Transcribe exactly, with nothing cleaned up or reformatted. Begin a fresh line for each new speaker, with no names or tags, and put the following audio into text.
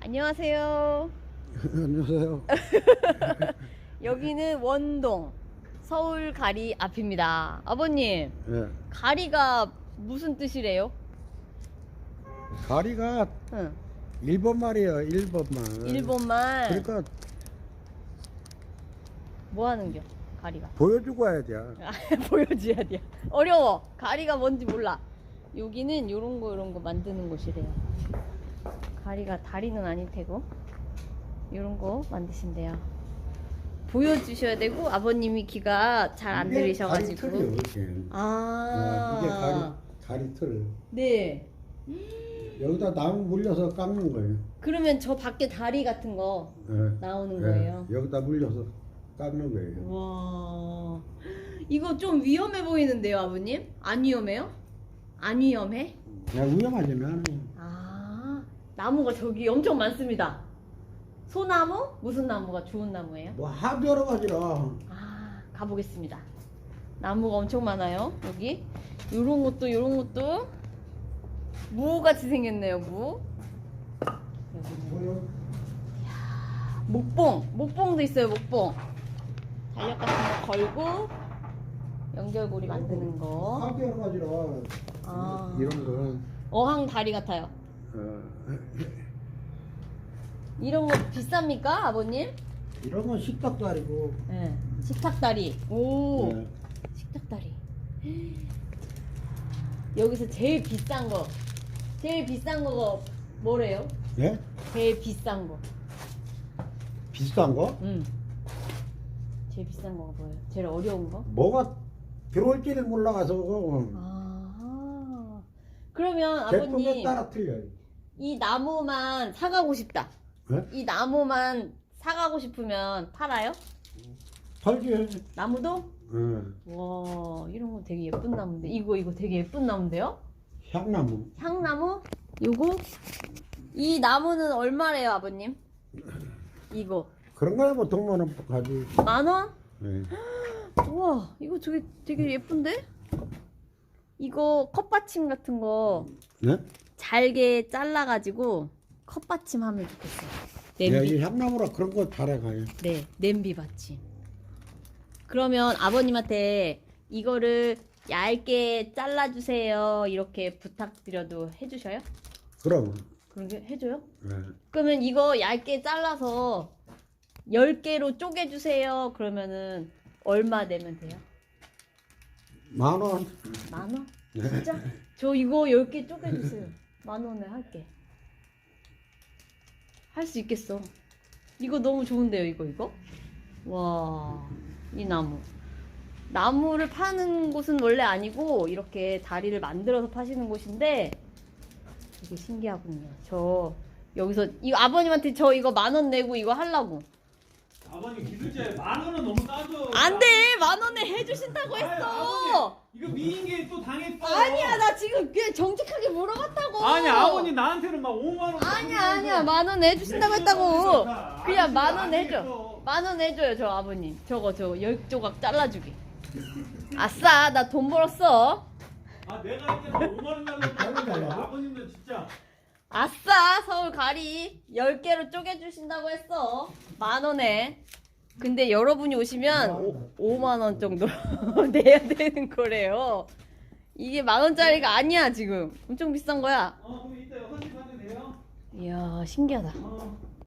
안녕하세요.
안녕하세요.
여기는 원동 서울 가리 앞입니다. 아버님,
예.
가리가 무슨 뜻이래요?
가리가
응.
일본 말이에요. 일본 말.
일본 말.
그러니까
뭐 하는겨? 가리가.
보여주고 와야 돼.
아, 보여줘야 돼. 어려워. 가리가 뭔지 몰라. 여기는 요런 거 요런 거 만드는 곳이래요. 가리가 다리는 아닐 테고 요런 거 만드신대요. 보여주셔야 되고 아버님이 귀가 잘 안
이게
들리셔가지고.
가리 틀이요, 이게.
아.
어, 이게 가리 가리 틀.
네.
여기다 나무 물려서 깎는 거예요.
그러면 저 밖에 다리 같은 거
예.
나오는
예.
거예요.
여기다 물려서 깎는 거예요.
와, 이거 좀 위험해 보이는데요, 아버님? 안 위험해요? 안 위험해?
그냥 위험하지만
아, 나무가 저기 엄청 많습니다. 소나무? 무슨 나무가 좋은 나무예요?
뭐 하도 여러 가지라.
아, 가보겠습니다. 나무가 엄청 많아요, 여기. 요런 것도, 요런 것도. 무같이 생겼네요, 무. 여기는.
뭐요?
목봉, 목봉도 있어요, 목봉. 달력 같은 거 걸고 연결고리 만드는 거.
하도 여러 가지라.
아.
이런 거.
어항 다리 같아요.
어,
이런 거 비쌉니까, 아버님?
이런 건 식탁도 아니고.
네. 식탁 다리. 오,
예.
식탁 다리. 여기서 제일 비싼 거, 제일 비싼 거가 뭐래요?
예?
제일 비싼 거.
비싼 거?
응. 제일 비싼 거가 뭐예요? 제일 어려운 거?
뭐가 들어올지를 몰라가서
아. 그러면
제품에
아버님
따라 틀려요.
이 나무만 사가고 싶다.
네?
이 나무만 사가고 싶으면 팔아요?
팔지.
나무도?
응.
와, 이런 거 되게 예쁜 나무인데. 이거 이거 되게 예쁜 나무인데요?
향나무.
향나무? 요거? 이 나무는 얼마래요, 아버님? 이거
그런 거야 뭐 동만 원 가지.
만 원?
네.
우와, 이거 저게 되게 예쁜데? 이거 컵받침 같은 거
네?
잘게 잘라가지고 컵받침 하면 좋겠어요.
야,
냄비.
이 향나무라 그런 거 잘해가요.
네, 냄비 받침. 그러면 아버님한테 이거를 얇게 잘라주세요 이렇게 부탁드려도 해주셔요?
그럼.
그런 게 해줘요?
네.
그러면 이거 얇게 잘라서 열 개로 쪼개주세요 그러면은 얼마 내면 돼요?
만 원.
만 원?
네.
진짜? 저 이거 열 개 쪼개주세요. 만 원에 할게. 할 수 있겠어. 이거 너무 좋은데요, 이거, 이거? 와, 이 나무. 나무를 파는 곳은 원래 아니고, 이렇게 다리를 만들어서 파시는 곳인데, 되게 신기하군요. 저, 여기서, 이거 아버님한테 저 이거 만 원 내고 이거 하려고.
아버님 기술자에 만 원은 너무 싸죠.
안 돼! 만 원에 해주신다고
아유,
했어!
아버님, 이거 미인계 또 당했어.
아니야, 나 지금 그냥 정직하게 물어봤다고!
아니 아버님 나한테는 막 오만 원.
아니야, 아니야. 만 원 해주신다고 했다고.
다
그냥 만 원
아저씨가
해줘.
아니겠어.
만 원 해줘요, 저 아버님. 저거, 저거, 열 조각 잘라주기. 아싸, 나 돈 벌었어.
아 내가 이제 막 오만 원 달라고
달라고?
아버님도 진짜.
아싸, 서울 가리. 열 개로 쪼개주신다고 했어. 만 원에. 근데 여러분이 오시면 오, 오만 원 정도 내야 되는 거래요. 이게 만 원짜리가 아니야, 지금. 엄청 비싼 거야.
어 그럼 이따 여섯 시 반에 돼요.
이야, 신기하다.
어.